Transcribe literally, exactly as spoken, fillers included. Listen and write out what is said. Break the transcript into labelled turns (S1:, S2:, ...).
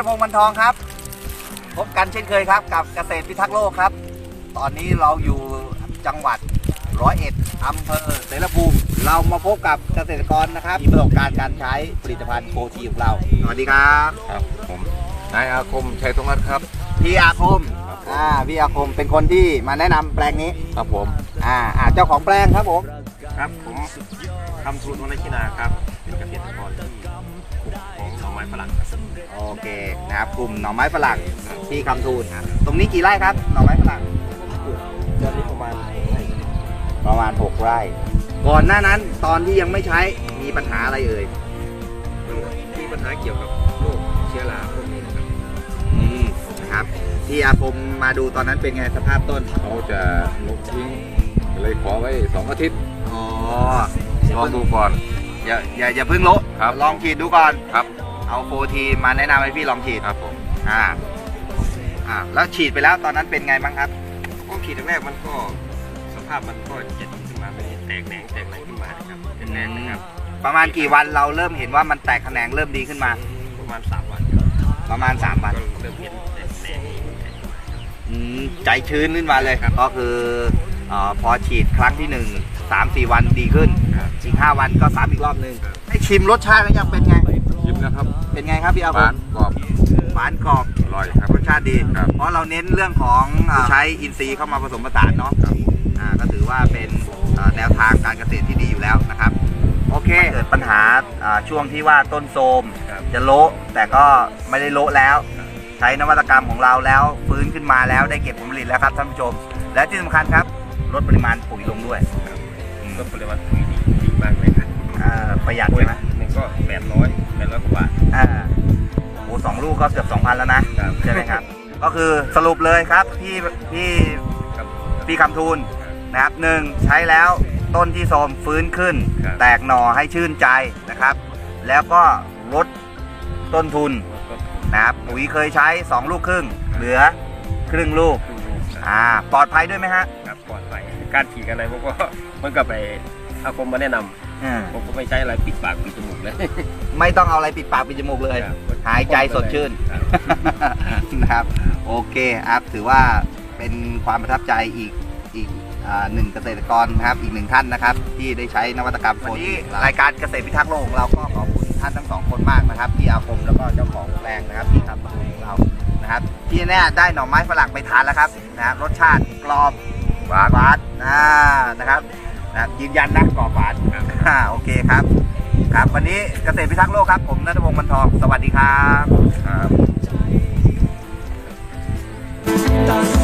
S1: พงษ์ มันทองครับพบกันเช่นเคยครับกับเกษตรพิทักษ์โลกครับตอนนี้เราอยู่จังหวัดร้อยเอ็ดอำเภอเสรภูมิเรามาพบกับเกษตรกรนะครับมีประสบการณ์การใช้ผลิตภัณฑ์โฟทีของเราสวัสดีครับ
S2: ครับผมนายอาคมชัยธงรัตน์ครับ
S1: พี่อาคมอ่าพี่อาคมเป็นคนที่มาแนะนำแปลงนี้
S2: ครับผม
S1: อ่าอ่าเจ้าของแปลงครับผม
S2: ครับผมคำทูลวรรณชินาครับเป็นเกษตรกรที่ปลูกของหน่อไม้ฝรั่ง
S1: โอเคนะครับกลุ่มหน่อไม้ฝรั่งที่คำทูลตรงนี้กี่ไร่ครับหน่อไม้ฝรั่ง
S2: ตอนนี้ประมาณไร่
S1: ประมาณหกไร่ก่อนหน้านั้นตอนที่ยังไม่ใช้มีปัญหาอะไรเอ่ย
S2: มีปัญหาเกี่ยวกับโรคเชื้อราพวกนี้นะครับ
S1: อืมนะครับที่อาคมมาดูตอนนั้นเป็นไงสภาพต้น
S2: เขาจะลบทิ้งเลยขอไว้สองอาทิตย์
S1: อ๋อ
S2: ลองดูก่อน
S1: อย่าอย่าอย่าเพิ่งโละลองฉีดดูก่อน
S2: ครับ
S1: เอาโฟทีมาแนะนำให้พี่ลองฉีด
S2: ครับผม
S1: อ่าอ่าแล้วฉีดไปแล้วตอนนั้นเป็นไงบ้างครับ
S2: ก็ฉีดแรกมันก็สภาพมันก็จะดีขึ้นมาเป็นแตกแหนงแตกอะไรขึ้นมานะครับเป็นแหนงนะครับ
S1: ประมาณกี่วันเราเริ่มเห็นว่ามันแตกแขนงเริ่มดีขึ้นมา
S2: ประมาณสามวัน
S1: ประมาณสามวัน
S2: เริ่มเห็นแตกแหนง
S1: อืมใจชื้นขึ้นมาเลยก็คือพอฉีดครั้งที่หนึ่งสามสี่วันดีขึ้นอีกห้าวันก็สามอีกรอบหนึ่งให้ชิมรสชาติแล้วยังเป็นไง
S2: ชิมนะครับ
S1: เป็นไงครับพี่อาคม
S2: หวานกรอบ
S1: หวานกรอบ
S2: อร่อยครับ
S1: รสชาติดีเพราะเราเน้นเรื่องของใช้อินทรีย์เข้ามาผสมผสานเนาะก็ถือว่าเป็นแนวทางการเกษตรที่ดีอยู่แล้วนะครับโอเคเกิดปัญหาช่วงที่ว่าต้นโทรมจะโละแต่ก็ไม่ได้โละแล้วใช้นวัตกรรมของเราแล้วฟื้นขึ้นมาแล้วได้เก็บผลผลิตแล้วครับท่านผู้ชมและที่สำคัญครับลดปริมาณปุ๋ยลงด้วย
S2: ลดปริมาณปุ๋ยดีมากเลยครับ
S1: ประหยัดใช่ไหม
S2: หนึ่งก็แปดร้อยแปดร้อยกว่าบาท
S1: อ่าโอ้สองลูกก็เกือบสองพันแล้วนะใช่ไหมครับก็คือสรุปเลยครับพี่พี่พี่คำทูลนะครับหนึ่งใช้แล้วต้นที่โทรมฟื้นขึ้นแตกหน่อให้ชื่นใจนะครับแล้วก็ลดต้นทุนนะครับปุ๋ยเคยใช้สองลูกครึ่งเหลือครึ่งลูกอ่าปลอดภัยด้วยไหมฮะ
S2: ครับปลอดภัยการฉีดอะไรผมก็มันก็ไปอาคมมาแนะนำผมก็ไม่ใช้อะไรปิดปากปิดจมูกเลย
S1: ไม่ต้องเอาอะไรปิดปากปิดจมูกเลยหายใจสดชื่นนะครับโอเคครับถือว่าเป็นความประทับใจอีกอีกหนึ่งเกษตรกรนะครับอีกหนึ่งท่านนะครับที่ได้ใช้นวัตกรรมวันนี้รายการเกษตรพิทักษ์โลกของเราก็ขอบคุณท่านทั้งสองคนมากนะครับพี่อาคมแล้วก็เจ้าของแปลงนะครับที่ทำของเรานะครับที่แน่ได้หน่อไม้ฝรั่งไปทานแล้วครับนะครับรสชาติกรอบหวานหวานนะครับนะยืนยันนะกรอบหวานโอเคครับครับวันนี้เกษตรพิทักษ์โลกครับผมณัฐพงษ์ มันทองสวัสดีครับ